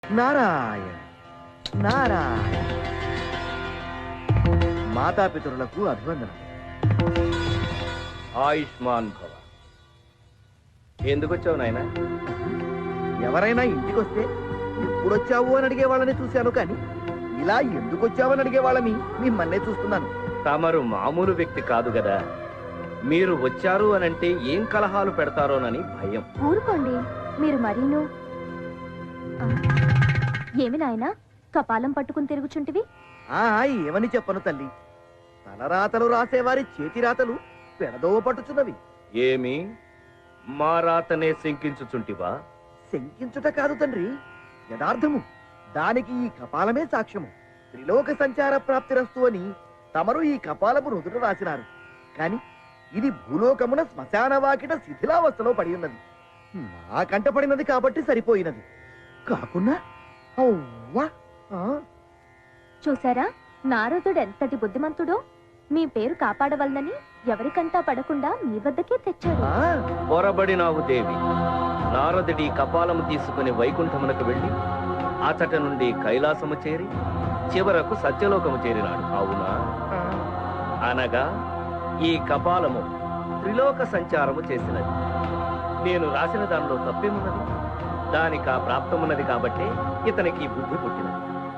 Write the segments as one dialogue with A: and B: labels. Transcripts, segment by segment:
A: నారాయణ నారాయణ. మాతాపితరులకు అభివందనం.
B: ఆయుష్మాన్ భవ. ఎందుకు వచ్చావు నాయన?
A: ఎవరైనా ఇంటికొస్తే ఎప్పుడొచ్చావు అని అడిగే వాళ్ళని చూశాను, కానీ ఇలా ఎందుకు వచ్చావని అడిగే వాళ్ళని మిమ్మల్నే చూస్తున్నాను.
B: తమరు మామూలు వ్యక్తి కాదు కదా. మీరు వచ్చారు అనంటే ఏం కలహాలు పెడతారోనని భయం.
C: ఊరుకోండి మీరు మరీను. ఏమి నాయనా కపాలం పట్టుకుని తిరుగుచుంటివి?
A: ఏమని చెప్పను తల్లి, తలరాతలు రాసేవారి చేతి రాతలు పెడదోవ పట్టుచున్నవి.
B: ఏమి మా రాతనే శంకించుచుంటివా?
A: శంకించుట కాదు తండ్రి, యథార్థము. దానికి ఈ కపాలమే సాక్ష్యము. త్రిలోక సంచార ప్రాప్తిరస్తు అని తమరు ఈ కపాలము రుదుట రాసినారు, కాని ఇది భూలోకమున శ్మశాన వాకిట శిథిలావస్థలో పడి ఉన్నది. నా కంట పడినది కాబట్టి సరిపోయినది, కాకున్నా అవ్వా.
C: చూసారా నారదుడు ఎంతటి బుద్ధిమంతుడో. మీ పేరు కాపాడవలనని ఎవరికంటా పడకుండా మీ వద్దకే తెచ్చాడు.
B: పొరబడినావు దేవి. నారదుడి కపాలము తీసుకుని వైకుంఠమునకు వెళ్లి అతట నుండి కైలాసము చేరి చివరకు సత్యలోకము చేరినాడు, అవునా? అనగా ఈ కపాలము త్రిలోక సంచారము చేసినది. నేను రాసిన దానిలో తప్పేమున్నది? దానికి ఆ ప్రాప్తమున్నది కాబట్టి ఇతనికి బుద్ధి పుట్టినది.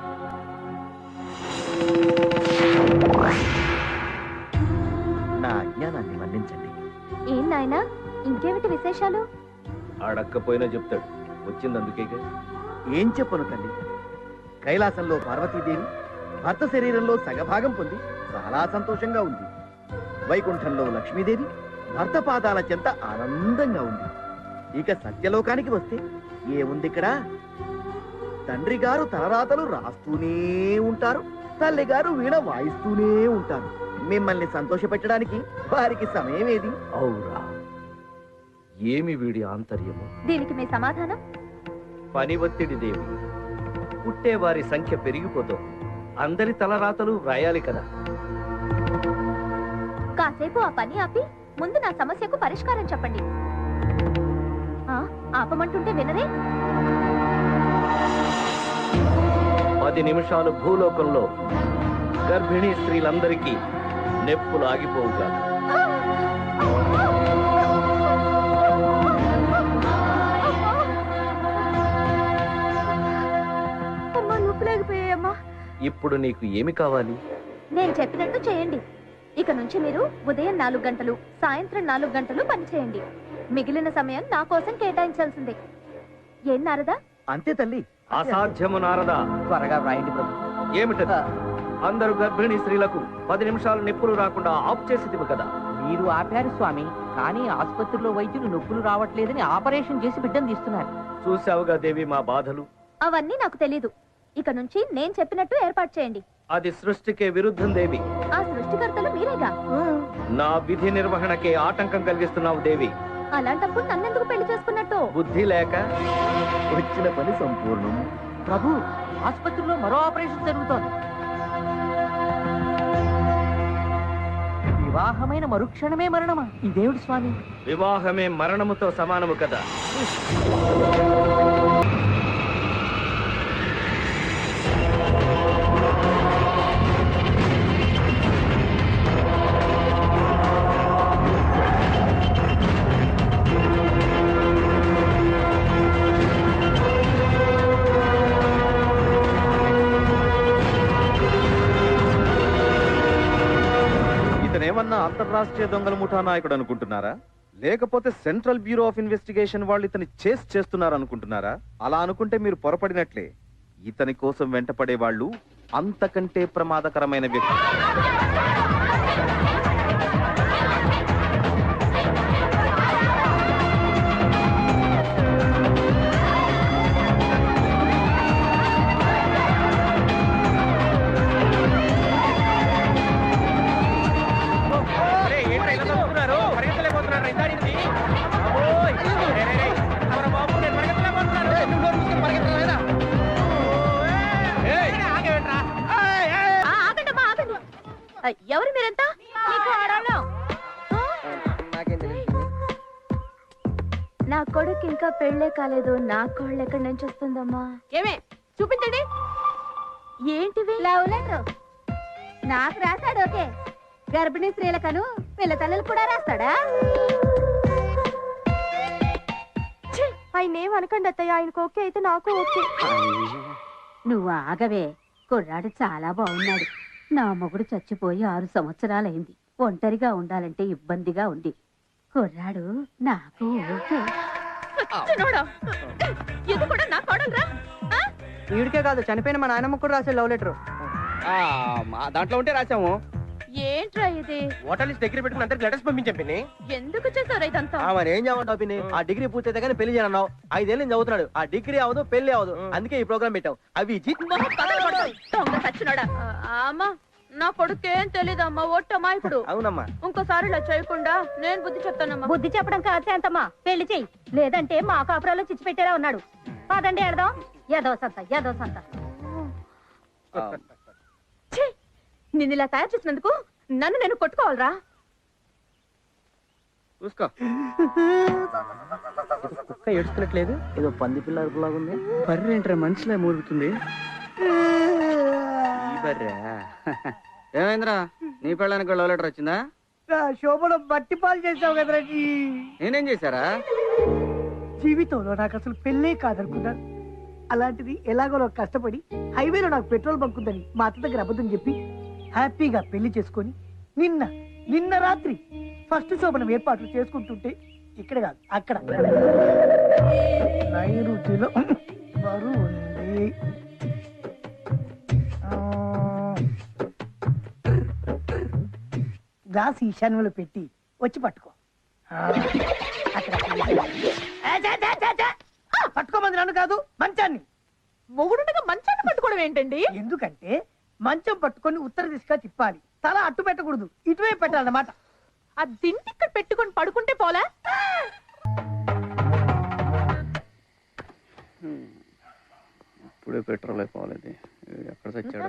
A: నా అజ్ఞానాన్ని మన్నించండి.
C: ఏం నాయనా ఇంకేమిటి విశేషాలు?
B: అడక్కపోయినా చెప్తాడు, వచ్చిందందుకేగా.
A: ఏం చెప్పను తల్లి, కైలాసంలో పార్వతీదేవి భర్త శరీరంలో సగభాగం పొంది చాలా సంతోషంగా ఉంది. వైకుంఠంలో లక్ష్మీదేవి భర్త పాదాల చెంత ఆనందంగా ఉంది. ఇక సత్యలోకానికి వస్తే ఏముంది ఇక్కడ? తండ్రి గారు తలరాతలు రాస్తూనే ఉంటారు, తల్లి గారు వీణ వాయిస్తూనే ఉంటారు. మిమ్మల్ని సంతోష పెట్టడానికి వారికి సమయం ఏది?
B: అవురా, ఏమి వీడి ఆంతర్యము?
C: దీనికి మీ సమాధానం?
B: పని ఒత్తిడి దేవి. పుట్టేవారి సంఖ్య పెరిగిపోతుంది, అందరి తలరాతలు వ్రాయాలి కదా.
C: కాసేపు ఆ పని ఆపి ముందు నా సమస్యకు పరిష్కారం చెప్పండి. ఆపమంటుంటే వినరే?
B: 10 నిమిషాలు భూలోకంలో గర్భిణీ స్త్రీలందరికీ నెప్పులు ఆగిపోవుగా. ఇప్పుడు నీకు ఏమి కావాలి?
C: నేను చెప్పినట్టు చేయండి. ఇక నుంచి మీరు ఉదయం 4 గంటలు, సాయంత్రం 4 గంటలు పని చేయండి. మిగిలిన సమయం నా కోసం కేటాయించాల్సిందే. ఏం నారదా?
A: అంతే తల్లి.
B: అసాధ్యము నారదా.
A: త్వరగా వ్రాయండి ప్రభు.
B: ఏమిటది? అందరూ గర్భిణీ స్త్రీలకు 10 నిమిషాలు నిప్పులు రాకుండా ఆఫ్ చేసేదివి కదా.
D: మీరు ఆపారు స్వామి, కానీ ఆసుపత్రిలో వైద్యులు నొప్పులు రావట్లేదని ఆపరేషన్ చేసి బిడ్డను తీస్తున్నారు.
B: చూసావుగా దేవి మా బాధలు.
C: అవన్నీ నాకు తెలీదు. ఇక నుంచి నేను చెప్పినట్టు ఏర్పాటు చేయండి.
B: అది సృష్టికే విరుద్ధం దేవి.
C: ఆ సృష్టికర్తలు మీరేగా.
B: నా విధి నిర్వహణకే ఆటంకం కలిగిస్తున్నావు దేవి.
C: అలాంటప్పుడు నన్నెందుకు పెళ్లి చేసుకున్నట్టు?
B: బుద్ధి లేక.
A: వచ్చిన పని సంపూర్ణం.
D: ప్రభు, ఆసుపత్రిలో మరో ఆపరేషన్ జరుగుతోంది. వివాహమైన మరుక్షణమే మరణమా? ఇదేమిటి స్వామి?
B: వివాహమే మరణముతో సమానము కదా.
E: ఇతనేమన్నా అంతర్రాష్ట్రీయ దొంగల ముఠా నాయకుడు అనుకుంటున్నారా? లేకపోతే సెంట్రల్ బ్యూరో ఆఫ్ ఇన్వెస్టిగేషన్ వాళ్ళు ఇతని చేస్తున్నారు అనుకుంటున్నారా? అలా అనుకుంటే మీరు పొరపడినట్లే. ఇతని కోసం వెంటపడే వాళ్ళు అంతకంటే ప్రమాదకరమైన వ్యక్తి.
C: ఎవరు మీరంతా? నా కొడుకు ఇంకా పెళ్లే కాలేదు, నా కోళ్ళు ఎక్కడి నుంచి వస్తుందమ్మా?
F: ఏమే
C: చూపించండి. ఏంటివి?
F: లవ్ లెటర్ నాకు రాశాడు. ఓకే, గర్భిణీ స్త్రీలకను పిల్ల తల్లులు కూడా రాస్తాడా?
C: ఆయన ఏం అనకండి అత్తయ్య, ఆయనకు ఓకే అయితే నాకు ఓకే.
F: నువ్వు ఆగవే, కుర్రాడు చాలా బాగున్నాడు. నా మొగుడు చచ్చిపోయి 6 సంవత్సరాలైంది. ఒంటరిగా ఉండాలంటే ఇబ్బందిగా ఉంది. కుర్రాడు నాకు ఓకే.
C: ఇది కూడా నా కోడలురా?
D: వీడికే కాదు, చనిపోయిన మా నాయనమ్మ కూడా రాసే లవ్ లెటర్.
B: దాంట్లో ఉంటే రాసాము.
C: ఏంట్రా ఇది?
A: ఓటర్ లిస్ట్ దగ్గర పెట్టుకుని అందరికి లెటర్స్ పంపించాం పిన్ని.
C: ఎందుకు చేశారు ఇదంతా?
A: మరి ఏం చేయమంటావు పిన్ని? ఆ డిగ్రీ పూర్తయితే కానీ పెళ్లి చేయనన్నావు. 5 ఏళ్ళు చదువుతున్నాడు. ఆ డిగ్రీ అవదు, పెళ్లి అవదు. అందుకే ఈ ప్రోగ్రామ్ పెట్టావు. అవి
C: దొంగ సచ్చినోడా. అమ్మా, నా కొడుకేం తెలీదమ్మా, ఒట్టమ్మా. ఇప్పుడు
A: అవునమ్మా.
C: ఇంకోసారి ఇలా చేయకుండా నేను బుద్ధి చెప్తానమ్మా.
F: బుద్ధి చెప్పడం కాదు శాంతమ్మా, పెళ్లి చెయ్యి. లేదంటే మా కాపురాలో చిచ్చి పెట్టేలా ఉన్నాడు. పదండి వెళదాం. ఏదో సంత.
C: నిన్ను ఇలా తయారు చేసినందుకు నన్ను నేను కొట్టుకోవాలరా?
B: చూసుకో.
D: కుక్క ఏడుస్తున్నట్లేదు.
A: ఏదో పంది పిల్ల అరుపులాగుంది.
D: బర్రెంట్రా మనిషిలా మూలుగుతుంది.
G: ఏమైందిరా, నీ పెళ్ళానికి లవ్ లెటర్ వచ్చిందా?
H: శోభను బట్టి పాలు చేసావు కదరా.
G: నేనేం చేశారా?
H: జీవితంలో నాకు అసలు పెళ్ళే కాదనుకున్నాను. అలాంటిది ఎలాగో కష్టపడి హైవేలో నాకు పెట్రోల్ బంక్ ఉందని మా అత్త దగ్గర అబద్ధం చెప్పి హ్యాపీగా పెళ్లి చేసుకొని నిన్న రాత్రి ఫస్ట్ శోభనం ఏర్పాట్లు చేసుకుంటుంటే ఇక్కడ కాదు అక్కడ నైరుతిలో బరువు ఉంది. గ్లాస్ ఈశాన్యంలో పెట్టి వచ్చి పట్టుకో. పట్టుకోమంది నన్ను కాదు, మంచాన్ని.
C: మొగుడుగా మంచాన్ని పట్టుకోవడం ఏంటండి?
H: ఎందుకంటే మంచం పట్టుకొని ఉత్తర దిశగా తిప్పాలి. తల అట్టు పెట్టకూడదు, ఇటువైపు పెట్టాలన్నమాట.
C: ఆ దిండి ఇక్కడ పెట్టుకొని పడుకుంటే పోలా?
G: ఇప్పుడే పెట్రోల్ అయిపోవాలి. ఎక్కడ చచ్చాడు?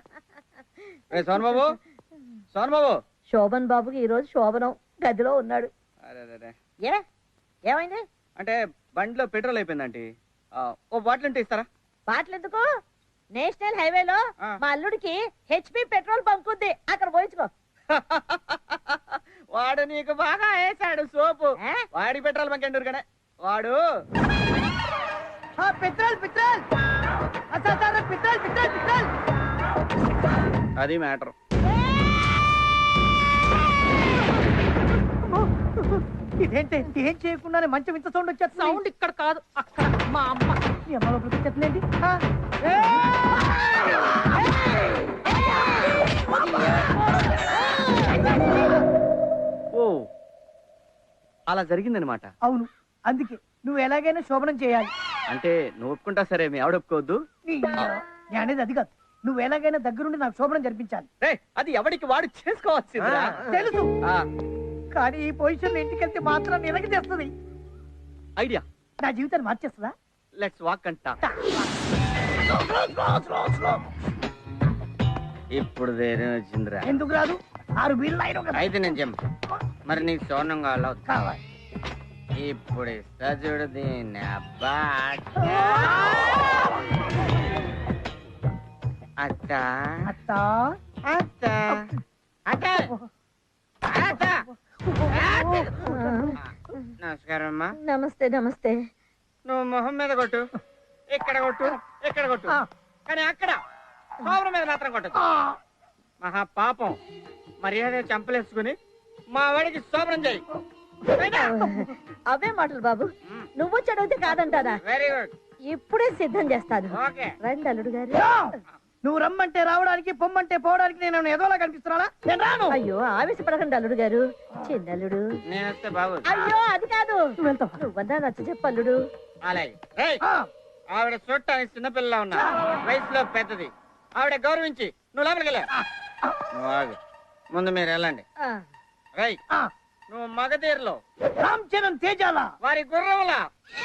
G: సోన్ బాబు
F: శోభన్ బాబుకి ఈ రోజు శోభనం గదిలో ఉన్నాడు.
G: అరే
F: ఏమైంది?
G: అంటే బండిలో పెట్రోల్ అయిపోయిందండి. ఓ బాటిల్ ఉంటే ఇస్తారా?
F: బాటలు ఎందుకు? నేషనల్ హైవేలో మా అల్లుడికి హెచ్పి పెట్రోల్ బంక్ ఉంది, అక్కడ పోయించుకో.
G: వాడు నీకు బాగా వేసాడు సోపు. వాడి పెట్రోల్ బంక్ ఎండూరు కానీ వాడు
H: petrol petrol petrol petrol petrol.
G: అది మ్యాటర్.
H: ఇదేంటి ఏం చేయకుండానే మంచం ఇంత సౌండ్ వచ్చేది?
C: సౌండ్ ఇక్కడ కాదు, అక్కడ. మా అమ్మ
H: మీ అమ్మ లోపలికి వచ్చేస్తుందండి.
G: ఓ అలా జరిగిందనమాట.
H: అవును, అందుకే నువ్వు ఎలాగైనా శోభనం చేయాలి.
G: అంటే నువ్వు ఒప్పుకుంటా సరే, మీ ఆవిడ ఒప్పుకోవద్దు.
H: నేను అనేది అది కాదు, నువ్వు ఎలాగైనా దగ్గరుండి నాకు శోభనం జరిపించాలి.
G: అది ఎవరికి వాడు చేసుకోవచ్చు.
H: తెలుసు, కానీ ఈ పొజిషన్ ఇంటికి వెళ్తే మాత్రం నిలకి చేస్తుంది.
G: ఐడియా,
H: నా జీవితాన్ని మార్చేస్తుందా?
G: లెట్స్ వాక్ అంట. ఇప్పుడు ధైర్యం వచ్చిందిరా.
H: ఎందుకు రాదు? 6 బీర్లు అయినా కదా.
G: అయితే నేను చెప్పు, మరి నీకు సోనం
H: కావాలి.
G: ఇప్పుడు ఇస్తా చూడు దీన్ని. అబ్బా అత్త
H: అత్త
G: అత్త అత్త అత్త. నమస్కారం అమ్మా.
F: నమస్తే. నమస్తే.
G: నువ్వు మొహం మీద కొట్టు, ఇక్కడ కొట్టు, ఇక్కడ కొట్టు, కానీ అక్కడ సోమరం మీద మాత్రం కొట్టదు. మహా పాపం. మర్యాద చంపలేసుకుని మా వాడికి శోభనం చేయి.
F: అవే మాటలు బాబు, నువ్వు చదివితే కాదంటారా?
G: Very good.
F: ఇప్పుడే సిద్ధం చేస్తాను.
G: ఓకే.
F: రండి అల్లుడు గారు.
H: నువ్వు రమ్మంటే రావడానికి, పొమ్మంటే పోవడానికి నేను ఏదోలా కనిపిస్తున్నానా? నేను రాను.
F: అయ్యో ఆవేశపడకండి అల్లుడు గారు. చిన్నల్లుడు.
G: నేను వస్తే బాబు.
F: అయ్యో అది కాదు,
H: నువ్వు వెళ్తావా?
F: నువ్వన్నా నచ్చ చెప్పు అల్లుడు.
G: అలాగే. ఆవిడ చూడటానికి చిన్నపిల్ల ఉన్నా, వయసులో పెద్దది. ఆవిడ గౌరవించి నువ్వు లోపలికి వెళ్ళా. నువ్వు ఆగు, ముందు మీరు వెళ్ళండి. రై, నువ్వు మగధీరలో
H: రామ్ చరణ్ తేజాల
G: వారి గుర్రంలా.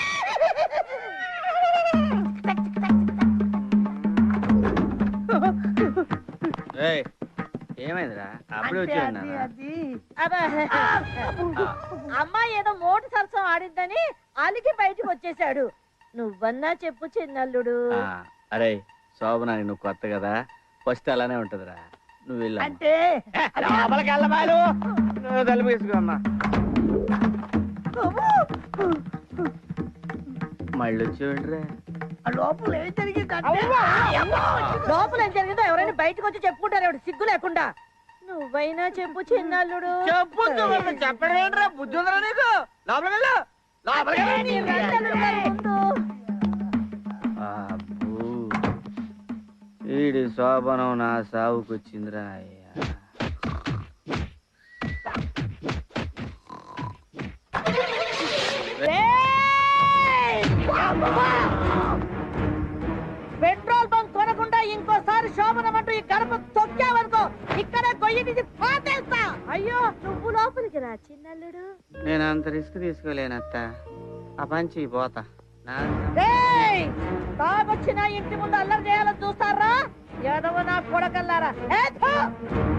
G: ఏమైందిరా అప్పుడే వచ్చి
F: అమ్మాయి ఏదో మోటు సరసం ఆడిందని అలిగి బయటికి వచ్చేసాడు. నువ్వన్నా చెప్పు చిన్నల్లుడు.
G: అరే శోభన నువ్వు కొత్త కదా ఫస్ట్ అలానే ఉంటదిరా నువ్వు వెళ్ళా
H: అంటే
G: లోపలికి వెళ్ళబాలు నువ్వు తలుపు వేసుకోమ్మా మళ్ళీ వచ్చేవింట్రా
H: లోపల ఏం జరిగిందంటే
F: లోపల ఏం జరిగిందో ఎవరైనా బయటకు వచ్చి చెప్పుకుంటారు ఎవడు సిగ్గు లేకుండా నువ్వైనా చెప్పు చిన్నల్లుడు
G: చెప్పు చెప్పడం బుద్ధి ఉందరా నీకు లోపలికి వెళ్ళు లోపలికి వెళ్ళు. అబ్బో, ఈడి శోభనం నా సావుకొచ్చిందిరా అయ్యా
F: పెట్రోల్ బంక్ కొనకుండా ఇంకోసారి శోభనం అంటూ ఈ గడప తొక్కావనుకో ఇక్కడే గొయ్యి తీసి పాతేస్తా. అయ్యో నువ్వు లోపలికి రా చిన్నల్లుడు.
G: నేను అంత రిస్క్ తీసుకోలేనత్త ఆ పంచి పోతా
F: తాగొచ్చిన ఇంటి ముందు అల్లరి చేయాలని చూస్తారా ఏదవ నా కొడకల్లారా